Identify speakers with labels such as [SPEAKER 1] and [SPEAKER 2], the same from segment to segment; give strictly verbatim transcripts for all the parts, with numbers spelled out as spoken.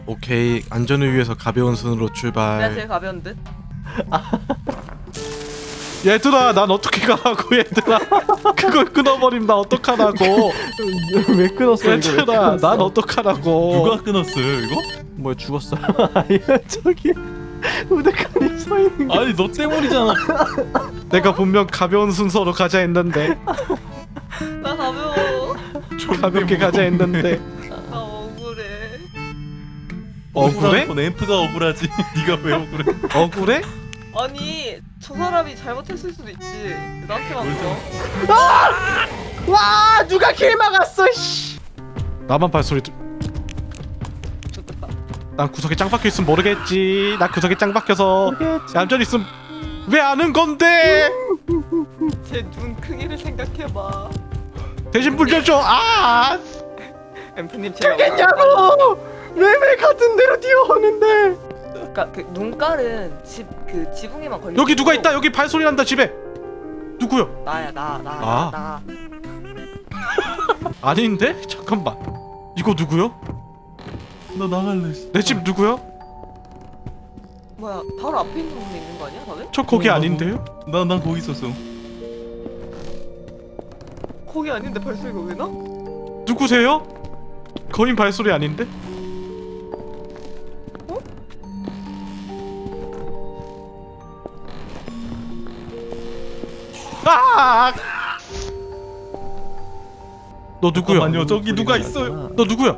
[SPEAKER 1] 오케이, 안전을 위해서 가벼운 손으로
[SPEAKER 2] 내가
[SPEAKER 1] 출발.
[SPEAKER 2] 제일 가벼운 듯?
[SPEAKER 1] 얘들아, 난 어떻게 가라고. 얘들아, 그걸 끊어버리면 나 어떡하라고.
[SPEAKER 3] 왜 끊었어 이거? 왜
[SPEAKER 1] 얘들아,
[SPEAKER 3] 끊었어?
[SPEAKER 1] 난 어떡하라고.
[SPEAKER 4] 누가 끊었어요 이거?
[SPEAKER 3] 뭐야 죽었어? 아니 저기 우대칸이 서 있는 게.
[SPEAKER 4] 아니 너 때문이잖아.
[SPEAKER 1] 내가 분명 가벼운 순서로 가자 했는데.
[SPEAKER 2] 나 가벼워.
[SPEAKER 1] 가볍게 가자 했는데.
[SPEAKER 2] 나 억울해.
[SPEAKER 1] 억울해?
[SPEAKER 4] 건 앰프가 억울하지. 네가 왜 억울해?
[SPEAKER 1] 억울해?
[SPEAKER 2] 아니 저 사람이 잘못했을 수도 있지. 나한테만 그러.
[SPEAKER 3] 와 누가 길 막았어? 씨.
[SPEAKER 1] 나만 발소리 들...
[SPEAKER 2] 좋겠다.
[SPEAKER 1] 난 구석에 짱 박혀 있으면 모르겠지. 나 구석에 짱 박혀서 얌전히 있으면 왜 아는 건데?
[SPEAKER 2] 제 눈 크기를 생각해봐.
[SPEAKER 1] 대신 불려줘. 아!
[SPEAKER 2] 앰프님 제가
[SPEAKER 3] 겠냐고? 왜왜 같은 데로 뛰어오는데?
[SPEAKER 2] 그러니까 그 눈깔은 집 그 지붕에만 걸려.
[SPEAKER 1] 여기 누가 있다. 여기 발소리 난다. 집에. 누구요?
[SPEAKER 2] 나야 나 나
[SPEAKER 1] 아.
[SPEAKER 2] 나.
[SPEAKER 1] 아닌데? 잠깐만. 이거 누구요?
[SPEAKER 4] 나 나갈래.
[SPEAKER 1] 내 집 누구요?
[SPEAKER 2] 뭐야 바로 앞에 있는 분이 있는 거 아니야 다들?
[SPEAKER 1] 저 거기
[SPEAKER 4] 어,
[SPEAKER 1] 아닌데요?
[SPEAKER 4] 나난 거기 있었어.
[SPEAKER 2] 거기 아닌데 발소리가 왜 나?
[SPEAKER 1] 누구세요? 거인 발소리 아닌데? 아! 너 누구야?
[SPEAKER 4] 잠깐만요. 저기 누가 있어요?
[SPEAKER 1] 너 누구야?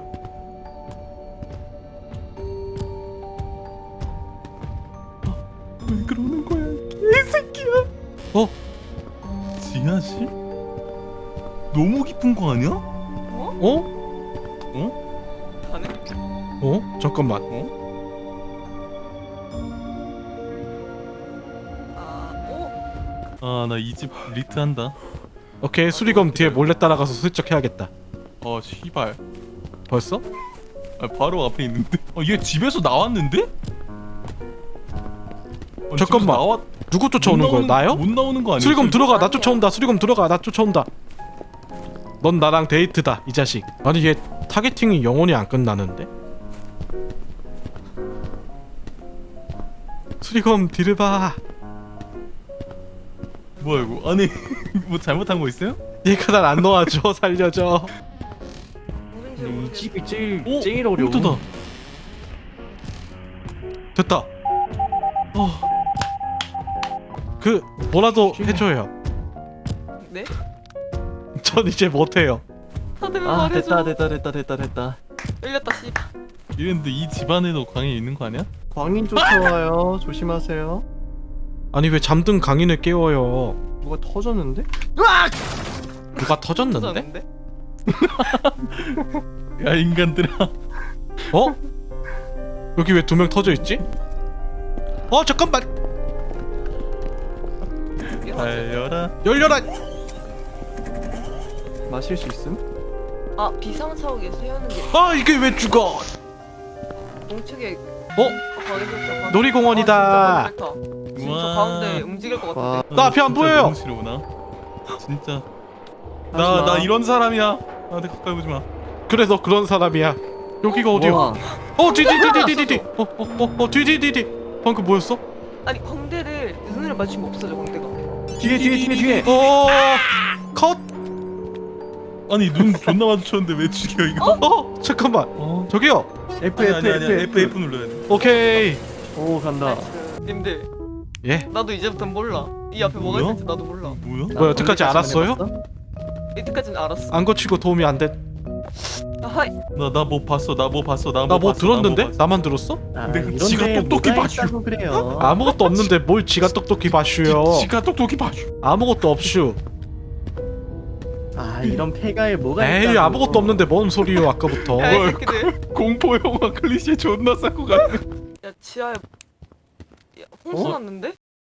[SPEAKER 4] 왜 그러는 거야? 개새끼야.
[SPEAKER 1] 어?
[SPEAKER 4] 지하실? 너무 깊은 거 아니야?
[SPEAKER 2] 어?
[SPEAKER 1] 어?
[SPEAKER 2] 가네?
[SPEAKER 1] 어? 잠깐만.
[SPEAKER 2] 아 어?
[SPEAKER 4] 아 나 이 집 리트한다.
[SPEAKER 1] 오케이, 수리검 뒤에 몰래 따라가서 슬쩍 해야겠다.
[SPEAKER 4] 어 씨발.
[SPEAKER 1] 벌써?
[SPEAKER 4] 아, 바로 앞에 있는데. 어얘 집에서 나왔는데? 아니,
[SPEAKER 1] 잠깐만.
[SPEAKER 4] 집에서 나왔...
[SPEAKER 1] 누구 쫓아오는
[SPEAKER 4] 못
[SPEAKER 1] 거야?
[SPEAKER 4] 나오는-
[SPEAKER 1] 나요?
[SPEAKER 4] 못 나오는 거 아니야?
[SPEAKER 1] 수리검 들어가. 나
[SPEAKER 2] 아니야.
[SPEAKER 1] 쫓아온다. 수리검 들어가. 나 쫓아온다. 넌 나랑 데이트다, 이 자식. 아니 얘 타겟팅이 영원히 안 끝나는데? 수리검 뒤를 봐.
[SPEAKER 4] 뭐야 이거? 아니 뭐 잘못한 거 있어요?
[SPEAKER 1] 얘가 날 안 놓아줘. 살려줘.
[SPEAKER 2] 누군지
[SPEAKER 3] 이
[SPEAKER 2] 모르겠어.
[SPEAKER 3] 집이 제일
[SPEAKER 4] 오!
[SPEAKER 3] 제일 어려워.
[SPEAKER 4] 홈트다.
[SPEAKER 1] 됐다.
[SPEAKER 4] 어.
[SPEAKER 1] 그 뭐라도 해줘요.
[SPEAKER 2] 네?
[SPEAKER 1] 전 이제 못해요.
[SPEAKER 2] 다들
[SPEAKER 3] 아
[SPEAKER 2] 말해줘.
[SPEAKER 3] 됐다 됐다 됐다 됐다 됐다.
[SPEAKER 2] 열렸다 씨.
[SPEAKER 4] 이랬는데 이 집안에도 광이 있는 거 아니야?
[SPEAKER 3] 광인 쫓아와요. 조심하세요.
[SPEAKER 1] 아니 왜 잠든 강인을 깨워요?
[SPEAKER 3] 뭐가 터졌는데?
[SPEAKER 1] 누가 터졌는데?
[SPEAKER 2] 터졌는데?
[SPEAKER 4] 야 인간들아.
[SPEAKER 1] 어? 여기 왜 두 명 터져 있지? 어 잠깐만.
[SPEAKER 4] 달려라.
[SPEAKER 1] 열려라.
[SPEAKER 3] 마실 수 있음?
[SPEAKER 2] 아 비상차옥에 세우는 게
[SPEAKER 1] 아 이게 왜 죽어?
[SPEAKER 2] 공책에
[SPEAKER 1] 어?
[SPEAKER 2] 거기서
[SPEAKER 1] 놀이공원이다.
[SPEAKER 2] 아, 진짜 거기 싫다. 지금 저
[SPEAKER 4] 우와.
[SPEAKER 2] 가운데 움직일 것
[SPEAKER 3] 와.
[SPEAKER 2] 같은데.
[SPEAKER 1] 나 앞이 안
[SPEAKER 4] 진짜
[SPEAKER 1] 보여요.
[SPEAKER 4] 너무 싫어구나. 진짜. 나
[SPEAKER 3] 하지마.
[SPEAKER 4] 나 이런 사람이야. 나한테 가까이 보지 마.
[SPEAKER 1] 그래 너 그런 사람이야. 여기가 어디야?
[SPEAKER 3] 우와.
[SPEAKER 1] 어 뒤뒤뒤뒤뒤뒤. 어어어 뒤뒤뒤뒤. 방금 뭐였어?
[SPEAKER 2] 아니 광대를 눈을 맞추면 없어져 광대가.
[SPEAKER 3] 뒤에 뒤에 뒤에 뒤에.
[SPEAKER 1] 어 컷.
[SPEAKER 4] 아니 눈 존나 마주쳤는데 왜 죽여 이거?
[SPEAKER 1] 어 잠깐만.
[SPEAKER 4] 어?
[SPEAKER 1] 저기요.
[SPEAKER 3] F
[SPEAKER 4] 아니
[SPEAKER 3] F
[SPEAKER 4] 아니 아니
[SPEAKER 3] F
[SPEAKER 4] F F 눌러야 돼.
[SPEAKER 1] 오케이.
[SPEAKER 3] 오 간다.
[SPEAKER 2] 나이스. 님들
[SPEAKER 1] 예.
[SPEAKER 2] 나도 이제부터 몰라. 이 앞에 뭐가
[SPEAKER 4] 뭐야?
[SPEAKER 2] 있을지 나도 몰라.
[SPEAKER 4] 뭐야?
[SPEAKER 1] 뭐야, 여태까지 알았어요?
[SPEAKER 2] 이때까지는 알았어.
[SPEAKER 1] 안 거치고 도움이 안 돼.
[SPEAKER 2] 아, 하이.
[SPEAKER 4] 나 나 뭐 봤어. 나 뭐 봤어. 나
[SPEAKER 1] 나 뭐
[SPEAKER 4] 봤어,
[SPEAKER 1] 들었는데?
[SPEAKER 4] 나 뭐 봤어.
[SPEAKER 1] 나만 들었어?
[SPEAKER 3] 아,
[SPEAKER 4] 근데 그
[SPEAKER 3] 이런데
[SPEAKER 4] 지가 똑똑히
[SPEAKER 3] 뭐가
[SPEAKER 4] 봐슈.
[SPEAKER 3] 있다고 그래요.
[SPEAKER 1] 아무것도 없는데 뭘 지가 똑똑히 봐슈요.
[SPEAKER 4] 지- 지가 똑똑히 봐줘.
[SPEAKER 1] 아무것도 없슈.
[SPEAKER 3] 아 이런 폐가에 뭐가
[SPEAKER 1] 에이
[SPEAKER 3] 있다고.
[SPEAKER 1] 아무것도 없는데 뭔 소리요 아까부터.
[SPEAKER 2] 야, 이
[SPEAKER 4] 뭘.
[SPEAKER 2] 새끼들.
[SPEAKER 4] 공포 영화 클리셰 존나 쌓고 가네.
[SPEAKER 2] 야, 지하에 야, 홍수
[SPEAKER 3] 어?
[SPEAKER 2] 났는데?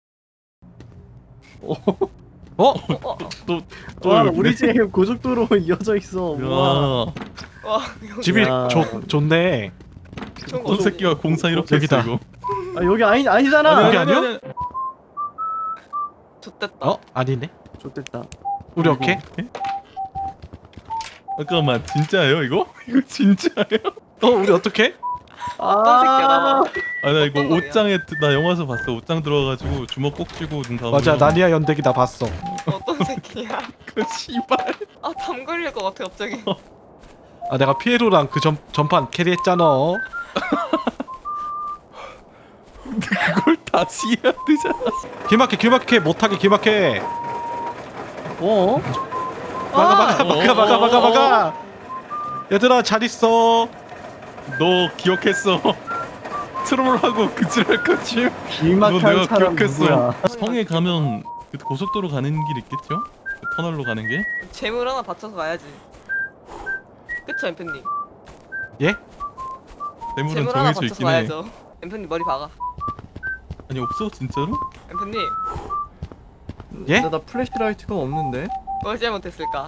[SPEAKER 1] 어?
[SPEAKER 2] 어, 어.
[SPEAKER 4] 또
[SPEAKER 3] 와
[SPEAKER 4] 여기네.
[SPEAKER 3] 우리 집 고속도로 이어져 있어. 와.
[SPEAKER 4] 야.
[SPEAKER 2] 와, 여기
[SPEAKER 1] 집이
[SPEAKER 3] 야.
[SPEAKER 1] 좋 좋네.
[SPEAKER 2] 좋은 거
[SPEAKER 4] 어떤 새끼가 공사 이렇게
[SPEAKER 1] 여기다.
[SPEAKER 4] 했어 이거.
[SPEAKER 3] 아 여기 아니 아니잖아.
[SPEAKER 1] 여기 아니야?
[SPEAKER 2] 좋댔다.
[SPEAKER 1] 어 아니네.
[SPEAKER 3] 좋됐다.
[SPEAKER 1] 우리 오케이.
[SPEAKER 4] 잠깐만 진짜예요 이거? 이거 진짜예요?
[SPEAKER 1] 어 우리 어떻게?
[SPEAKER 2] 어떤 새끼야 나봐.
[SPEAKER 4] 아 나 이거
[SPEAKER 2] 어떤 놈이야?
[SPEAKER 4] 옷장에 드- 나 영화에서 봤어. 옷장 들어가가지고 주먹 꼭 쥐고 눈 감으면
[SPEAKER 1] 맞아 나니아 연대기 나 봤어.
[SPEAKER 2] 어떤 새끼야.
[SPEAKER 4] 그 씨발.
[SPEAKER 2] 아담 걸릴 것 같아 갑자기.
[SPEAKER 1] 아 내가 피에로랑 그 전, 전판 캐리했잖아.
[SPEAKER 4] 근데 그걸 다시 해야 되잖아.
[SPEAKER 1] 기막해 기막해 못하게 기막해.
[SPEAKER 3] 어?
[SPEAKER 1] 막아 막아
[SPEAKER 2] 아,
[SPEAKER 1] 막아 막아 막아 막아. 얘들아 잘 있어.
[SPEAKER 4] 너 기억했어. 트롤하고 그질할 거지. 너
[SPEAKER 3] 길막한
[SPEAKER 4] 내가
[SPEAKER 3] 사람
[SPEAKER 4] 기억했어.
[SPEAKER 3] 누구야?
[SPEAKER 4] 성에 가면 그 고속도로 가는 길 있겠죠? 그 터널로 가는 게.
[SPEAKER 2] 재물 하나 받쳐서 가야지. 그쵸 엠프님.
[SPEAKER 1] 예?
[SPEAKER 4] 대물은
[SPEAKER 2] 재물 하나
[SPEAKER 4] 정해져
[SPEAKER 2] 받쳐서
[SPEAKER 4] 있긴 해.
[SPEAKER 2] 가야죠. 엠프님 머리 박아.
[SPEAKER 4] 아니 없어 진짜로?
[SPEAKER 2] 엠프님
[SPEAKER 1] 예?
[SPEAKER 3] 나, 나 플래시라이트가 없는데?
[SPEAKER 2] 뭘 잘못했을까?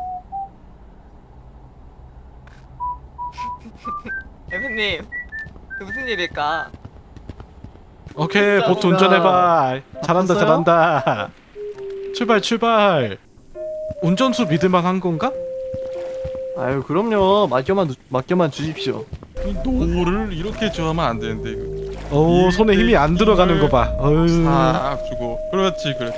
[SPEAKER 2] 엠프님 무슨 일일까?
[SPEAKER 1] 오케이
[SPEAKER 2] 진짜
[SPEAKER 1] 보트
[SPEAKER 2] 뭔가-
[SPEAKER 1] 운전해봐. 잘한다
[SPEAKER 3] 바꿨어요?
[SPEAKER 1] 잘한다. 출발 출발. 운전수 믿을만 한 건가?
[SPEAKER 3] 아유 그럼요. 맡겨만 두- 맡겨만 주십시오.
[SPEAKER 4] 이 노를 이렇게 좋아하면 안 되는데 이거.
[SPEAKER 1] 오 손에 힘이 안 들어가는 거 봐. 어휴.
[SPEAKER 4] 싹 주고. 그렇지 그래.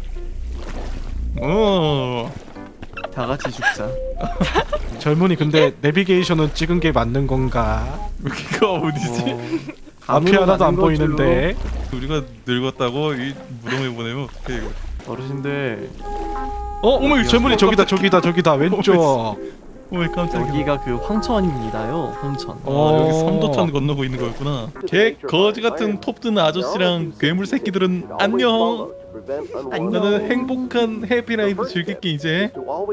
[SPEAKER 4] 어.
[SPEAKER 3] 다 같이 죽자.
[SPEAKER 1] 젊은이 근데 내비게이션은 찍은 게 맞는 건가?
[SPEAKER 4] 여기가 어디지?
[SPEAKER 3] 어,
[SPEAKER 1] 앞이
[SPEAKER 3] 감으로
[SPEAKER 1] 하나도 안
[SPEAKER 3] 가는 거죠.
[SPEAKER 1] 보이는데.
[SPEAKER 4] 우리가 늙었다고 이 무덤에 보내면 어떡해 이거.
[SPEAKER 3] 어르신들
[SPEAKER 1] 어? 어머 젊은이 저기다 저기다 저기다 왼쪽.
[SPEAKER 4] 어이 깜짝이야.
[SPEAKER 3] 여기가 그 황천입니다요. 황천.
[SPEAKER 4] 아,
[SPEAKER 1] 어.
[SPEAKER 4] 여기 삼도천 건너고 있는 거였구나. 개 거지 같은 톱 드는 아저씨랑 괴물 새끼들은 안녕. 나는 행복한 해피라이프 즐길게 이제.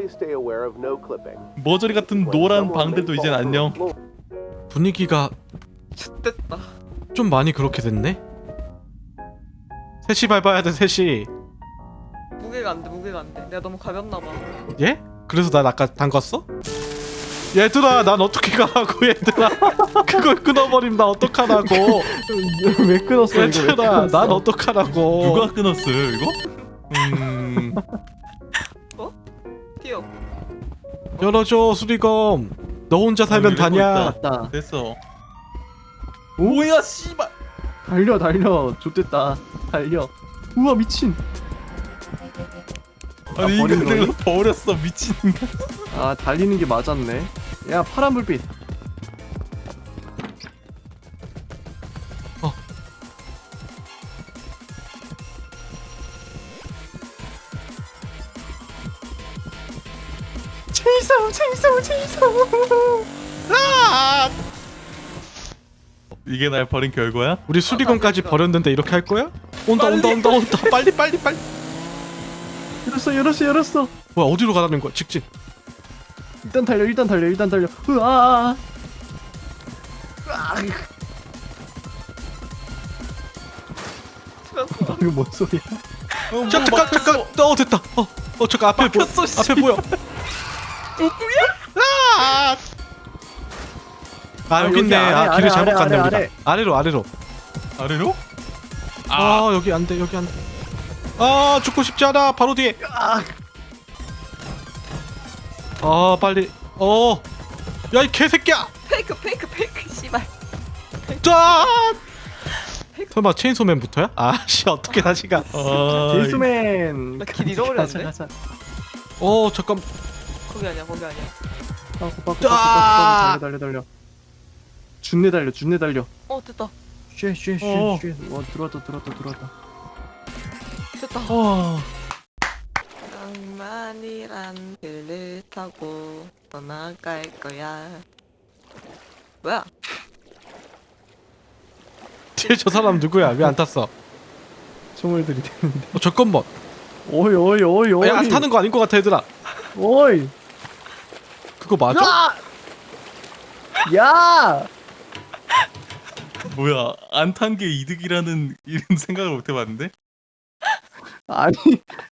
[SPEAKER 4] 머저리 같은 노란 방들도 이젠 안녕.
[SPEAKER 1] 분위기가
[SPEAKER 2] X됐다.
[SPEAKER 1] 좀 많이 그렇게 됐네. 셋이 밟아야 돼 셋이.
[SPEAKER 2] 무게가 안돼 무게가 안돼. 내가 너무 가볍나봐.
[SPEAKER 1] 예? 그래서 난 아까 담갔어? 얘들아 난 어떻게 가라고 얘들아. 그걸 끊어버리면 나 어떡하라고.
[SPEAKER 3] 왜 끊었어 이거? 왜
[SPEAKER 1] 얘들아
[SPEAKER 3] 끊었어?
[SPEAKER 1] 난 어떡하라고.
[SPEAKER 4] 누가 끊었어요 이거? 음.
[SPEAKER 2] 뛰어.
[SPEAKER 1] 열어줘 수리검. 너 혼자 살면
[SPEAKER 4] 아, 이러고
[SPEAKER 1] 다냐.
[SPEAKER 3] 맞다.
[SPEAKER 4] 됐어.
[SPEAKER 3] 뭐야 씨발. 달려 달려. 좋됐다. 달려. 우와 미친.
[SPEAKER 4] 아니
[SPEAKER 3] 아, 버린
[SPEAKER 4] 인간들로 버렸어 미친 인간.
[SPEAKER 3] 아 달리는 게 맞았네. 야 파란 불빛.
[SPEAKER 1] 어.
[SPEAKER 3] 체이사우 체이사우 체이사우.
[SPEAKER 4] 이게 날 버린 결과야?
[SPEAKER 1] 우리 수리검까지 버렸는데 이렇게 할 거야? 온다 온다 온다 온다. 빨리 빨리 빨리.
[SPEAKER 3] 열었어 열었어 열었어.
[SPEAKER 1] 뭐야 어디로 가라는 거야 직진.
[SPEAKER 3] 일단 달려 일단 달려 일단 달려. 으아.
[SPEAKER 2] 죽었어.
[SPEAKER 3] 이거 뭔 소리야?
[SPEAKER 4] 어,
[SPEAKER 1] 자, 잠깐 잠깐. 어 됐다. 어, 어 잠깐 앞에 보여. 앞에 보여. 아! 아
[SPEAKER 3] 아,
[SPEAKER 1] 여기
[SPEAKER 3] 여기
[SPEAKER 1] 있네.
[SPEAKER 3] 아래,
[SPEAKER 1] 아 길을
[SPEAKER 3] 아래,
[SPEAKER 1] 잘못
[SPEAKER 3] 아래,
[SPEAKER 1] 갔네
[SPEAKER 3] 아래,
[SPEAKER 1] 우리가.
[SPEAKER 3] 아래.
[SPEAKER 1] 아래로 아래로.
[SPEAKER 4] 아래로?
[SPEAKER 1] 아 여기 안 돼. 여기 안 돼. 아 죽고 싶지 않아. 바로 뒤에.
[SPEAKER 3] 아.
[SPEAKER 1] 아 빨리. 어. 야 이 개새끼야.
[SPEAKER 2] 페이크 페이크 페이크 씨발.
[SPEAKER 1] 짠. 설마 체인소맨부터야? 아씨 어떻게 다시 가?
[SPEAKER 4] 아,
[SPEAKER 3] 제이스맨.
[SPEAKER 2] 나길 잃어버렸는데?
[SPEAKER 3] 가자 가자.
[SPEAKER 1] 어 잠깐.
[SPEAKER 2] 거기 아니야 거기 아니야.
[SPEAKER 3] 빠꾸 빠꾸
[SPEAKER 1] 아!
[SPEAKER 3] 빠꾸 달려 달려 달려. 준내 달려 준내 달려.
[SPEAKER 2] 어 됐다.
[SPEAKER 4] 어.
[SPEAKER 3] 쉐쉐쉐쉐. 와 들어왔다 들어왔다 들어왔다.
[SPEAKER 2] 됐다.
[SPEAKER 4] 어.
[SPEAKER 2] 낭만이란 길을 타고 떠나갈 거야. 뭐야?
[SPEAKER 1] 뒤에 저 사람 누구야? 왜 안 탔어?
[SPEAKER 3] 총을 들이대는데.
[SPEAKER 1] 어 잠깐만.
[SPEAKER 3] 오이 오이 오이 오이.
[SPEAKER 1] 야, 안 타는 거 아닌 것 같아 얘들아.
[SPEAKER 3] 오이.
[SPEAKER 1] 그거 맞아?
[SPEAKER 3] 야.
[SPEAKER 4] 뭐야 안 탄 게 이득이라는 이런 생각을 못 해봤는데?
[SPEAKER 3] 아니